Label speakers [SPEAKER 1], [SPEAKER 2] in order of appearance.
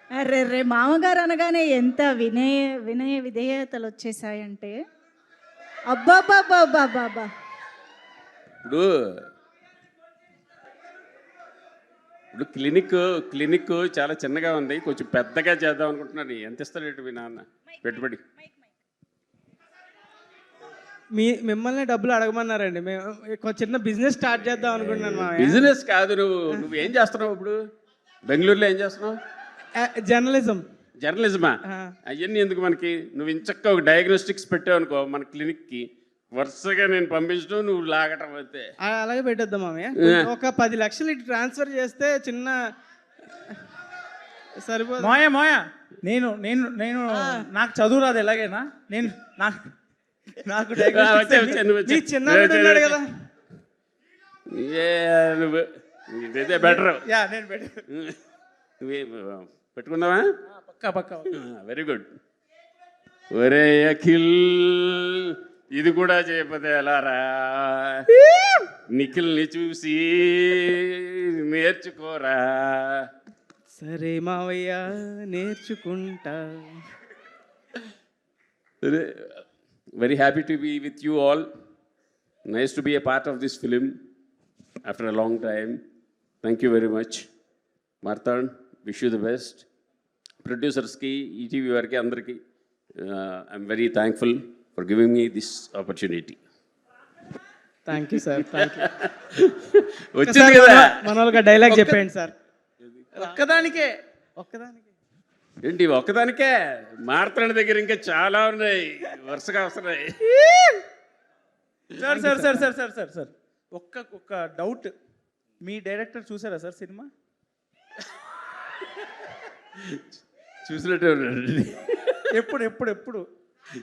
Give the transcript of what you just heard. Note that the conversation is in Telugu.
[SPEAKER 1] అర్రెర్రే! మామగారు అనగానే ఎంత వినయ విధేయతలు వచ్చేసాయంటే అబ్బబ్బబ్బబ్బబ్బబ్బా!
[SPEAKER 2] ఇప్పుడు ఇప్పుడు క్లినిక్ చాలా చిన్నగా ఉంది, కొంచెం పెద్దగా చేద్దాం అనుకుంటున్నాను. ఎంత ఇస్తాడు మీ నాన్న పెట్టుబడి?
[SPEAKER 3] మిమ్మల్ని డబ్బులు అడగమన్నారండి. మేము చిన్న బిజినెస్ స్టార్ట్ చేద్దాం అనుకుంటున్నాను మామయ్య.
[SPEAKER 2] బిజినెస్ కాదు, నువ్వేం చేస్తున్నావు ఇప్పుడు? బెంగళూరులో ఏం చేస్తున్నావు?
[SPEAKER 3] జర్నలిజం.
[SPEAKER 2] జర్నలిజమా? అవన్నీ ఎందుకు మనకి? నువ్వు ఇంచక్క ఒక డయాగ్నోస్టిక్స్ పెట్టావు అనుకో మన క్లినిక్కి, వరుసగా నేను పంపించడం, నువ్వు లాగటం అయితే.
[SPEAKER 3] అలాగే పెట్టేద్దాం మామయ్య. ఒక 10 లక్షలు ఇటు ట్రాన్స్ఫర్ చేస్తే చిన్న సరిపోదు.
[SPEAKER 4] మోయ నేను నేను నేను నాకు చదువు రాదు ఎలాగైనా. నేను నాకు
[SPEAKER 3] చిన్నాడు ఉన్నాడు కదా.
[SPEAKER 2] నువ్వు ఇదే బెటర్.
[SPEAKER 4] నేను
[SPEAKER 2] నువ్వే పెట్టుకుందామా?
[SPEAKER 4] పక్కా.
[SPEAKER 2] Very good. ఒరే అఖిల్, ఇది కూడా చేయకపోతే ఎలారా? నిఖిల్ని చూసి నేర్చుకోరా.
[SPEAKER 3] సరే మావయ్య, నేర్చుకుంటా.
[SPEAKER 2] Very happy to be with you all. Nice to be a part of this film after a long time. Thank you very much. Marthan, wish you the best. Producers ki, ETV variki andariki, I'm very thankful for giving me this opportunity.
[SPEAKER 3] Thank you sir, thank you.
[SPEAKER 2] వచ్చింది కదా
[SPEAKER 3] మన వాళ్ళకి డైలాగ్ చెప్పండి సార్.
[SPEAKER 4] ఒక్కదానికే
[SPEAKER 2] ఏంటి ఒక్కదానికే? మార్తాండ్ దగ్గర ఇంకా చాలా ఉన్నాయి, వరుసగా వస్తున్నాయి.
[SPEAKER 4] సార్ ఒక్క డౌట్. మీ డైరెక్టర్ చూసారా సార్ సినిమా?
[SPEAKER 2] చూసినట్టే ఉన్నాడు.
[SPEAKER 4] ఎప్పుడు